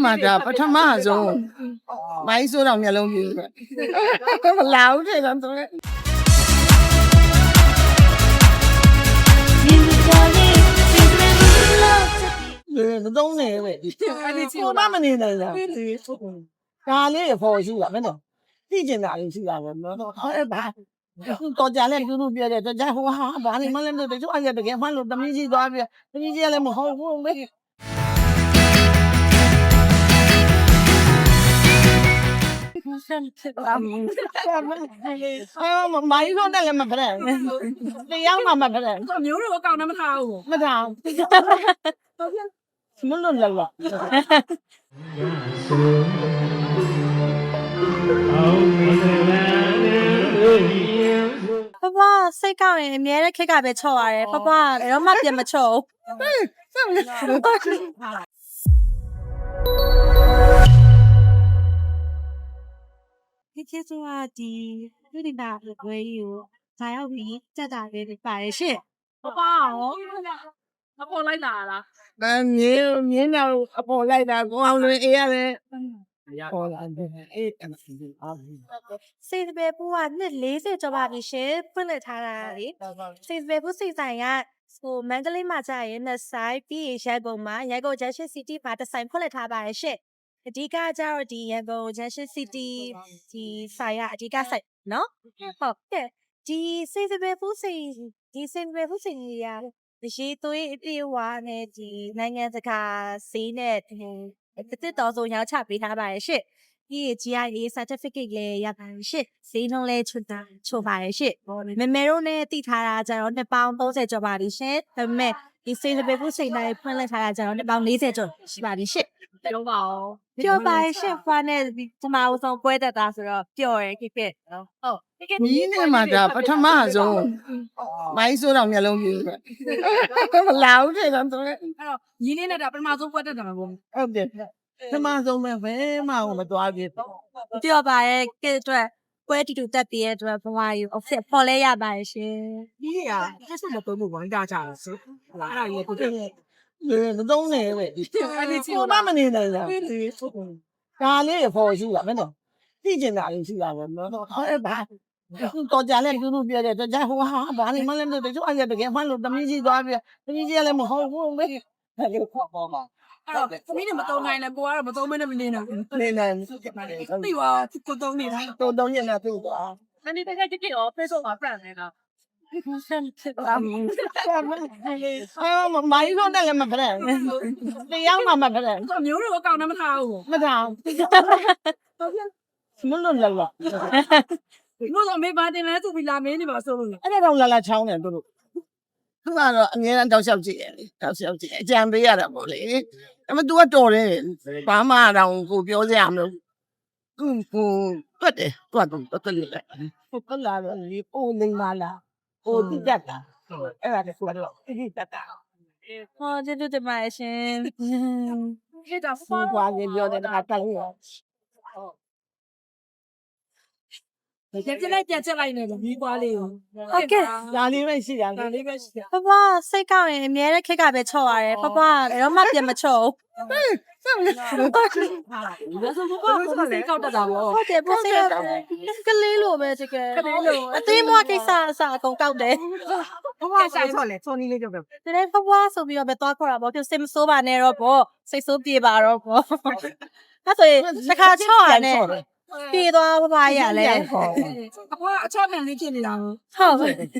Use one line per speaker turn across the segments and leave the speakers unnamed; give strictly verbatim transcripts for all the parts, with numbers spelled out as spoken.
မှာဒါပထမဆုံးမိုင်းဆိုးတော်မျက်လုံးပြူမလာဘူးတဲ့တော့သူလေမသုံးနေပဲဒီကိုမမနေနိုင်လားဒါလေးရဖို့ရှိတာမင်းတို့သိကျင်တာလေးရှိတာပဲနော်အဲ့ဘာတော်ကြလဲသူတို့ပြောတယ်တော်ကြဟိုဟာဘာနေမလဲတို့တို့အဲ့ရတကယ်မှလို့တမင်းကြီးသွားပြတမင်းကြီးလည်းမဟုတ်ဘူးမေအော်မိုင်းတော့လည်းမဖရက်တရားမှမဖရက်
မျိုးတော့အကောင်နဲ့မထားဘူး
မထားမလို့လည်းလား
ဖဖစိတ်ကောက်ရင်အများနဲ့ခက်ကပဲချော့ရတယ်ဖဖဘယ်တော့မှပြန်မချော့ဘူးဒီကျေးဇူးကဒီလူဒီနာဝဲကြီးကိုဇာရောက်ပြီးစက်တာလေးတွေပါတယ်ရှင့်
ပပရောအပေါ်လိုက်လာလား
တန်းမြင်းမြင်းတော့အပေါ်လိုက်တာကိုအောင်လွင်အေးရတယ်ပေါ်လာတယ်အေးအဲ့ဒါအား
စိတ်ပဲပူကနှစ်၄၀ကျော်ပါပြီရှင်ဖွင့်လှစ်ထားတာလေစိတ်ပဲပူစိတ်ဆိုင်ကဟိုမန္တလေးမှာကြာရင်နှစ်ဆိုင်ပြီးရန်ကုန်မှာရန်ကုန် Junction City မှာတစ်ဆိုင်ဖွင့်လှစ်ထားပါတယ်ရှင့်အဓိကကျတော့ဒီရန်ကုန် Junction City ဒီဆိုင်ကအဓိကဆိုင်နော်ဟုတ်ကဲ့ဒီစိတ်ပဲပူစိတ်ဒီစိတ်ပဲပူစိတ်ကြီးရဒီသွေးအပြေဝါနဲ့ဒီနိုင်ငံတကာဈေးနဲ့တစ်တစ်တော်ဆိုရောက်ချပေးထားပါတယ်ရှင့်ဒီ G I A certificate လည်းရပါတယ်ရှင့်ဈေးနှုန်းလည်းချွတ်တာချို့ပါတယ်ရှင့်မမေတို့နဲ့တည်ထားတာကျတော့နှစ်ပေါင်း၃၀ကျော်ပါလိမ့်ရှင်ဒါပေမဲ့ဒီစိတ်ပဲပူစိတ်တိုင်းဖွင့်လှစ်ထားတာကျတော့နှစ်ပေါင်း၄၀ကျော်ရှိပါလိမ့်ရှင့်
ပြောပါဦး
ပြောပါရှင့်ဖာနဲ့ဒီမအောင်ဆုံးပွဲတက်တာဆိုတော့ပျော်ရယ်ခိဖြစ်နော်ဟုတ်
မြင်းနဲ့မှာဒါပထမဆုံးမိုင်းဆိုးတော်မျက်လုံးပြူမလာဘူးတဲ့တော့သူ
အဲ့တော့ညီလေးနဲ့ဒါပထမဆုံးပွဲတက်တာမှာပေါ့
ဟုတ်တယ်ပထမဆုံးပဲဘယ်မှမသွားပြ
ပြောပါရဲ့ကဲအတွက်ပွဲတီတူတက်ပြီးရဲ့အတွက်ဘဝယူ offset ပေါ်လဲရပါတယ်ရှင်
ဒီကအဲ့ဆက်မပုံမှုဝင်တာကြတယ်ဆိုအဲ့ဒါကြီးကိုတက်
လေမသုံးနေပဲဒီကိုမမနေနိုင်လားဒါလေးရဖို့ရှိတာမင်းတို့သိကျင်တာလေးရှိတာပဲနော်အဲ့ဘာတော်ကြလဲသူတို့ပြောတယ်တော်ကြဟိုဟာဘာနေမလဲတို့တို့အဲ့ရတကယ်မှလို့တမင်းကြီးသွားပြတမင်းကြီးလည်းမဟုတ်ဘူးမေအဲ့လိုခေါ်ပေါ်မှာ
အဲ့တော့သမီးတွေမတုံးနိုင်လဲကိုကတော့မတုံးမနဲ့မနေနိုင်ဘူး
နေနိုင်
သိပါကိုတုံးနေတာ
တုံတုံးနေတာသူ့သွား
နည်းနည်းတကယ်ကြည့်ရော Facebook မှာ brand နေတာ
အော်မိုင်းတော့လည်းမဖရက်တရားမှမဖရက်
မျိုးတော့အကောင်နဲ့မထားဘူး
မထားမလို့လည်းလား
လို့ဆိုမေးပါတင်လဲသူပြီးလာမင်းနေပါဆိုလို့
အဲ့ဒါတော့လာလာချောင်းတယ်တို့တို့သူကတော့အငြင်းတောက်လျှောက်ကြည့်တယ်လေတောက်လျှောက်ကြည့်အကြံပေးရတာပေါ့လေအဲ့မ तू ကတော်တယ်ဘာမှတော့ကိုပြောစရာမလိုသူကိုတွတ်တယ်တွတ်တော့တွတ်လိုက်ကိုကလာတော့လေအိုးနေမလားအိုးတိတက်တာအဲ့ဒါတခုတော့တိတက်တာ
ဟောကျေးဇူးတင်ပါတယ်ရှင်
ဟဲ့ဒါ
ဖူးပွားနေပြောတယ်ဒါတက်လို့
ပြန်ပြလိုက်ပြန်ချက်လိုက်နေလို့မီးပွားလေးကို
ဟုတ်ကဲ့
ဒါလေးပဲရှိတာ
ဒါလေးပဲရှိတာ
ဖဖစိတ်ကောက်ရင်အများနဲ့ခက်ကပဲချော့ရတယ်ဖဖဘယ်တော့မှပြန်မချော့ဘူး
ဆက်မလို့ဒါဆိုဘာလို့စိတ်ကောက်တတ်တာပေါ့
ဟုတ်တယ်ပိုစိတ်ကလေးလိုပဲတကယ်
ကလေးလို
အသေးမွားကိစ္စအစအကုန်ကောက်တယ်
ဖဖဆိုင်ဆော့လေစောနီးလေးပြောပြ
ဒီနေ့ဖဖဆိုပြီးတော့ပဲသွားခေါ်တာပေါ့ပြစိတ်မစိုးပါနဲ့တော့ပေါ့စိတ်စိုးပြေပါတော့ပေါ့အဲ့ဆိုရင်တစ်ခါချော့ရတယ်ပြေးသွားဖဖရလဲ
အဖွားအချော့မြန်လေးဖြစ်နေတာ
ဟုတ်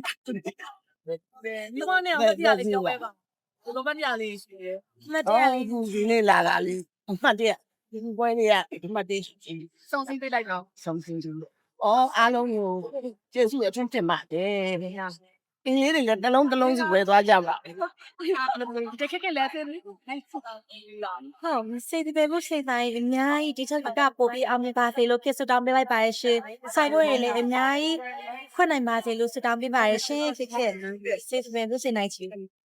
ဒီမနဲ့အမတရားလေးပြောပဲပါဒီလိုမတရားလေးရှိတယ်
မတရားလေး
ဒီနေ့လာတာလေးအမှတ်တရဒီပွဲလေးကဒီမှတ်တရ
စုံစင်းပေးလိုက်တော့
စုံစင်းကြည့်လို့အော်အားလုံးကိုကျေးဇူးအထူးတင်ပါတယ်ဗျာအင်းလေးတွေတစ်လုံးတစ်လုံးစီဝယ်သွားကြပါ
တကယ်ကလည်းတယ်
ဟုတ်စိတ်ပဲဖို့စိတ်တိုင်းအများကြီးဒီချက်ကပို့ပြီးအောင်မြင်ပါစေလို့ဖြစ်ဆုတောင်းပေးလိုက်ပါရရှင်ဆိုင်ဖို့ရင်လည်းအများကြီးဖွင့်နိုင်ပါစေလို့ဆုတောင်းပေးပါရရှင်ဖြစ်ဖြစ်စိတ်ပဲဖို့စိတ်နိုင်ချီ